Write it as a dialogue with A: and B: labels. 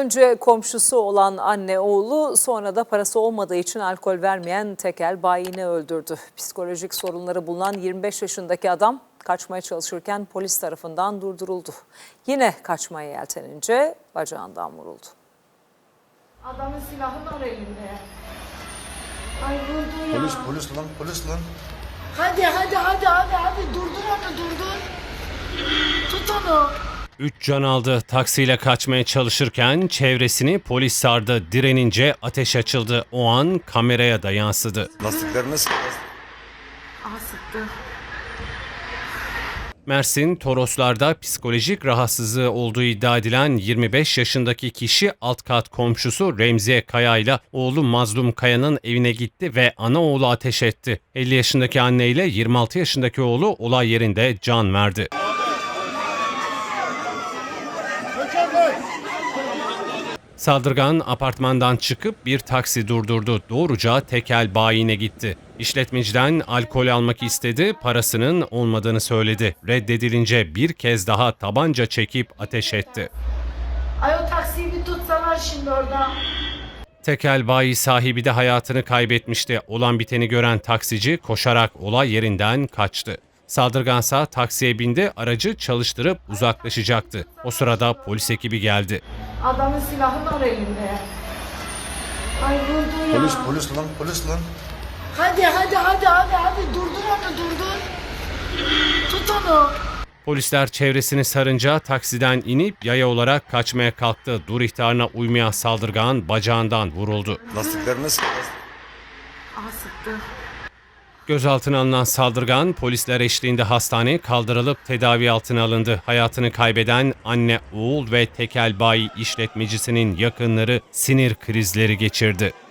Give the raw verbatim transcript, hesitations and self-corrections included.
A: Önce komşusu olan anne oğlu, sonra da parası olmadığı için alkol vermeyen tekel bayini öldürdü. Psikolojik sorunları bulunan yirmi beş yaşındaki adam kaçmaya çalışırken polis tarafından durduruldu. Yine kaçmaya yeltenince bacağından vuruldu.
B: Adamın silahı var elinde. Ay vurdu ya.
C: Polis, polis lan, polis lan.
B: Hadi hadi hadi hadi hadi durdur onu durdur. Tut onu.
D: Üç can aldı. Taksiyle kaçmaya çalışırken çevresini polis sardı. Direnince ateş açıldı. O an kameraya da yansıdı.
C: Lastiklerine sık.
B: Aha sıktı.
D: Mersin, Toroslar'da psikolojik rahatsızlığı olduğu iddia edilen yirmi beş yaşındaki kişi alt kat komşusu Remziye Kaya ile oğlu Mazlum Kaya'nın evine gitti ve ana oğlu ateş etti. elli yaşındaki anne ile yirmi altı yaşındaki oğlu olay yerinde can verdi. Saldırgan apartmandan çıkıp bir taksi durdurdu. Doğruca tekel bayine gitti. İşletmeciden alkol almak istedi, parasının olmadığını söyledi. Reddedilince bir kez daha tabanca çekip ateş etti.
B: Ay o taksiyi bir tutsalar şimdi orada.
D: Tekel bayi sahibi de hayatını kaybetmişti. Olan biteni gören taksici koşarak olay yerinden kaçtı. Saldırgansa taksiye bindi, aracı çalıştırıp uzaklaşacaktı. O sırada polis ekibi geldi.
B: Adamın silahı var elinde. Ay vurdu ya.
C: Polis, polis lan, polis lan.
B: Hadi hadi hadi hadi hadi durdur onu durdur. Tut onu.
D: Polisler çevresini sarınca taksiden inip yaya olarak kaçmaya kalktı. Dur ihtarına uymayan saldırgan bacağından vuruldu.
C: Lastiklerine sık.
B: Aha sıktı.
D: Gözaltına alınan saldırgan polisler eşliğinde hastaneye kaldırılıp tedavi altına alındı. Hayatını kaybeden anne, oğul ve tekel bayi işletmecisinin yakınları sinir krizleri geçirdi.